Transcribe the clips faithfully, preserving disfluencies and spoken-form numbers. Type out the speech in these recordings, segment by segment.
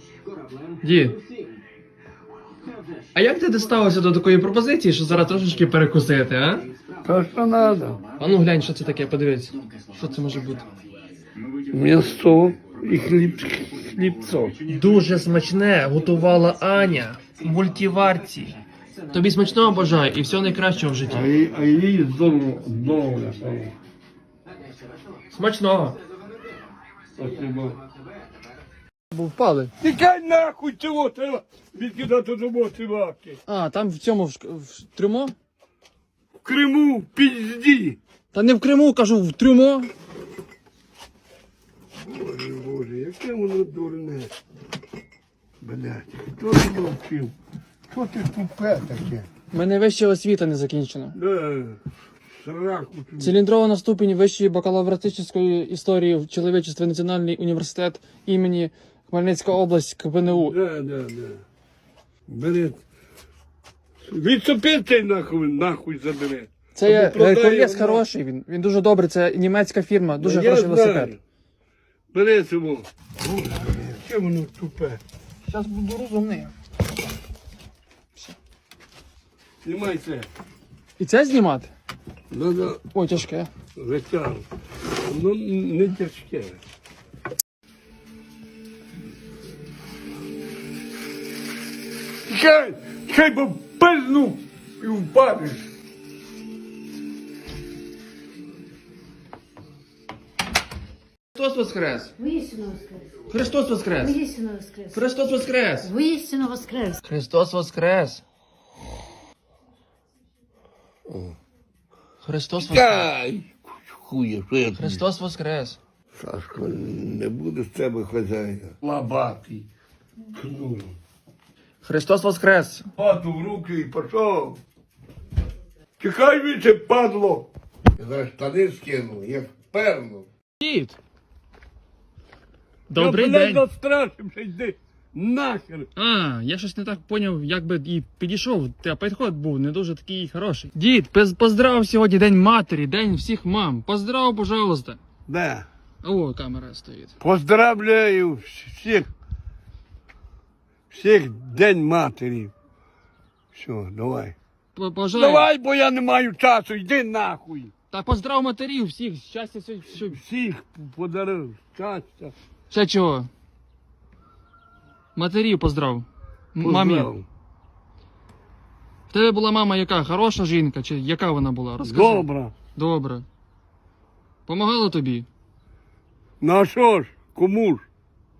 Дід, а як ти доставився до такої пропозиції, що зараз трошечки перекусити, а? То, що треба. А ну глянь, що це таке, подивись. Що це може бути? М'ясо і хліб, хлібцо. Дуже смачне готувала Аня в мультиварці. Тобі смачного бажаю і всього найкращого в А житті. їй, а їй здорово, здорово. Смачного. Спасибо. Бо впали. Тікай нахуй цього треба відкидати до моти лапки. А, там в цьому в, в трюмо? В Криму, в пізді. Та не в Криму, кажу, в трюмо. Боже, Боже, яке воно дурне. Блядь, хто ж навчив? Що ти тупе таке? У мене вища освіта не закінчена. Да, сраку тобі. Циліндрована ступінь вищої бакалавратичної історії в чоловічества Національний університет імені Хмельницька область КПНУ. Да, да, да. Бери. Відсопи цей нахуй, нахуй забере. Це є Або продає Геркулес його. хороший, він, він дуже добрий, це німецька фірма, дуже Я хороший знаю. велосипед. Бери цього. Боже, яке воно тупе. Зараз буду розумний. Знімай це. І це знімати? Надо Ой, тяжке. витягнути. Ну, не тяжке. Чекай, чекай, бо пизну і впадеш. Христос воскрес! Воістину воскрес! Христос воскрес! Воістину воскрес! Христос воскрес! Воістину воскрес! Христос воскрес! Христос воскрес! Чекай! Хує, що я тобі? Христос воскрес! Сашко, не буде з тебе хазяїна. Лабатий. Кну. Христос воскрес! Пату в руки і пішов. Чекай віче, падло. Я зараз штани скину, як перло. Дід! Добрий я, блядь, день! настрашився, йди нахер. А, я щось не так поняв, як би і підійшов, та підход був не дуже такий хороший. Дід, пиз- поздрав сьогодні День матері, День всіх мам. Поздрав, пожалуйста. Да. О, камера стоїть. Поздравляю всіх. Всіх День матері. Все, давай. П- Бажаю. Давай, бо я не маю часу, йди нахуй. Та поздрав матерів всіх, щастя, все, все. Всіх подарив щастя. Ще чого? Матерів поздрав. М- Мамі. Поздрав. В тебе була мама яка? Хороша жінка? Чи яка вона була? Розкажи. Добре. Добре. Помагала тобі? Ну а що ж, кому ж?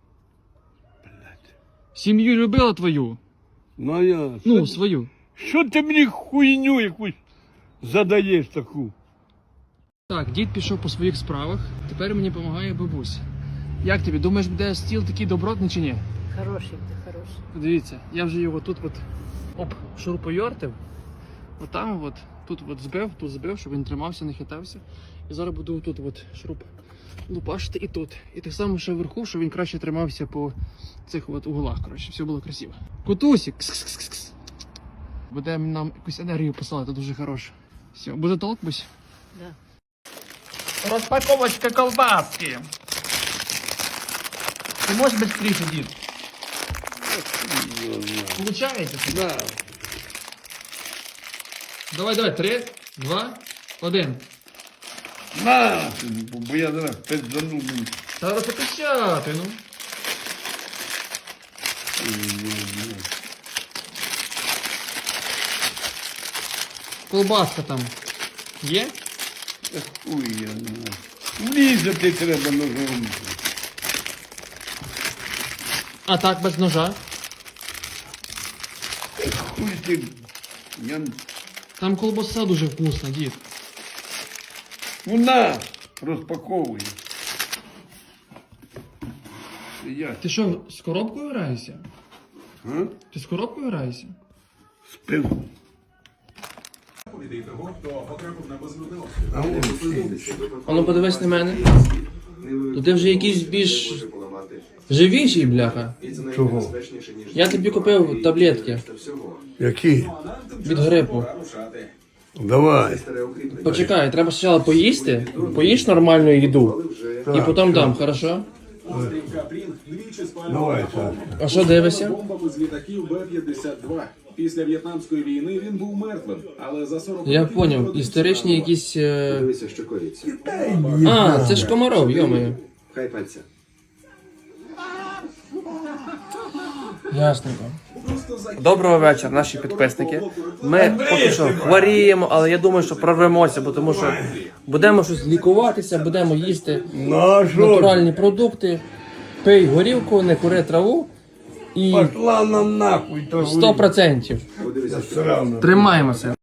Сім'ю любила твою? Ну я. Ну, що, свою. що ти мені хуйню якусь задаєш таку? Так, дід пішов по своїх справах, тепер мені допомагає бабуся. Як тобі, думаєш, буде стіл такий добротний чи ні? Хороший ти, хороший. Дивіться, я вже його тут от оп, шурупойортив. Отам от, тут от збив, тут збив, щоб він тримався, не хитався. І зараз буду тут от шуруп лупашити і тут. І так само ще вверху, щоб він краще тримався по цих от углах, коротше, все було красиво. Кутусік! Кс-кс-кс-кс. Буде нам якусь енергію посилати, дуже хороше. Все, буде толк, бусь? Да. Розпаковочка колбаски. Ти можеш швидше, дід? Получається? Да. Давай, давай, три, два, один. На, бо я зараз пиздану. Треба покачати, ну. Колбаска там є? Хуй я не знаю. Влізати треба ножом. А так, без ножа. Хуй ти. Я... Там колбаса дуже вкусна, дід. Вона розпаковує. Я Ти що, з коробкою граєшся? а? Ти з коробкою граєшся? Спив. А он А ну подивись на мене. То ти вже якийсь більш живіший, бляха. чого? Я тобі купив таблетки Які? від грипу. Давай. Почекай, треба спочатку поїсти, поїж нормальну їду, і потім дам, хорошо? Острів Капрін двічі спалював Давай, атом А що дивишся? бомбами з літаків Б п'ятдесят два. Після В'єтнамської війни він був мертвим, але за сорок Я років поняв, народився історичні заново. якісь. е, Дивися, що коїться. А, це ж Комаров, йомаю. Хай пальця. Ясненько. Доброго вечора, наші підписники. Ми поки що хворіємо, але я думаю, що прорвемося, бо тому що будемо щось лікуватися, будемо їсти Ну а що? натуральні продукти, пий горілку, не кури траву і Пошла нам нахуй, то сто процентів Подивися, що срано. тримаємося.